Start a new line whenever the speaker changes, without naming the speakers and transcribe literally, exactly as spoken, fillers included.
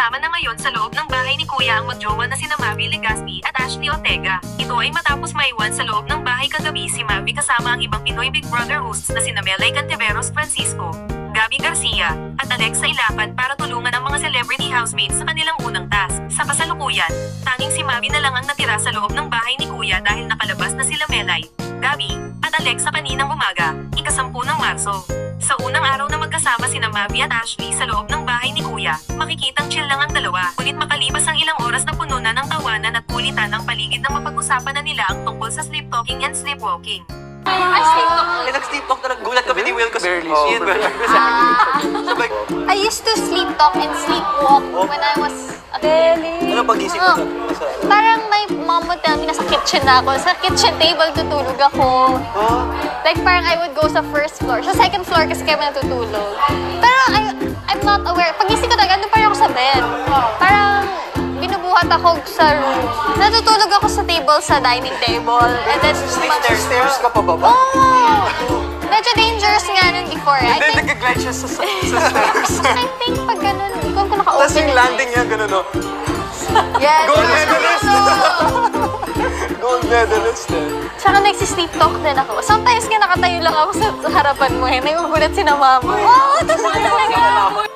magkasama na ngayon sa loob ng bahay ni Kuya ang magjowa na sina Mavi Legaspi at Ashley Ortega. Ito ay matapos maiwan sa loob ng bahay kagabi si Mavi kasama ang ibang Pinoy Big Brother hosts na sina Melay Cantiveros Francisco, Gabby Garcia, at Alexa Ilapan para tulungan ang mga celebrity housemates sa kanilang unang task. Sa kasalukuyan, tanging si Mavi na lang ang natira sa loob ng bahay ni Kuya dahil nakalabas na sila Melay, Gabby, at Alexa kaninang umaga, ikasampu ng Marso. Sa unang araw na magkasama sina Mavi at Ashley sa loob ng bahay ni Kuya, makikitang chill lang ang dalawa. Ngunit makalipas ang ilang oras na puno na ng tawanan at kulitan ang paligid na mapag-usapan na nila ang tungkol sa sleep talking and sleepwalking.
Ay, sleep talk.
Eh, nag-sleep talk na nagulat kami ni Will kasi
Barely.
Ian, Sabay,
I used to sleep talk and sleepwalk when I was a kid.
ano pag-isip
Oo.
mo sa...
Parang my mom would tell me nasa kitchen na ako. Sa kitchen table tutulog ako.
Oh,
Like parang I would go sa first floor. Sa second floor kasi kami natutulog. Pero I, I'm not aware. Pagising ko talaga, andun pa rin ako sa bed. Parang binubuhat ako sa room. Natutulog ako sa table, sa dining table. And then,
Stairs, stairs ka pa ba ba?
Oh! Medyo dangerous nga nun before. I
Hindi,
think,
nag-glide siya sa, sa sa stairs.
I think pag ganun, ikaw ko naka-open
Tapos yung
yung
landing niya, gano'n, no?
Yes.
Gold medalist!
Ano?
Gold medalist, eh.
Tsaka nagsisleep talk din ako. Sometimes nga nakatayo lang ako sa harapan mo eh. Nagugulat si na mama. Oo, oh, totoo talaga.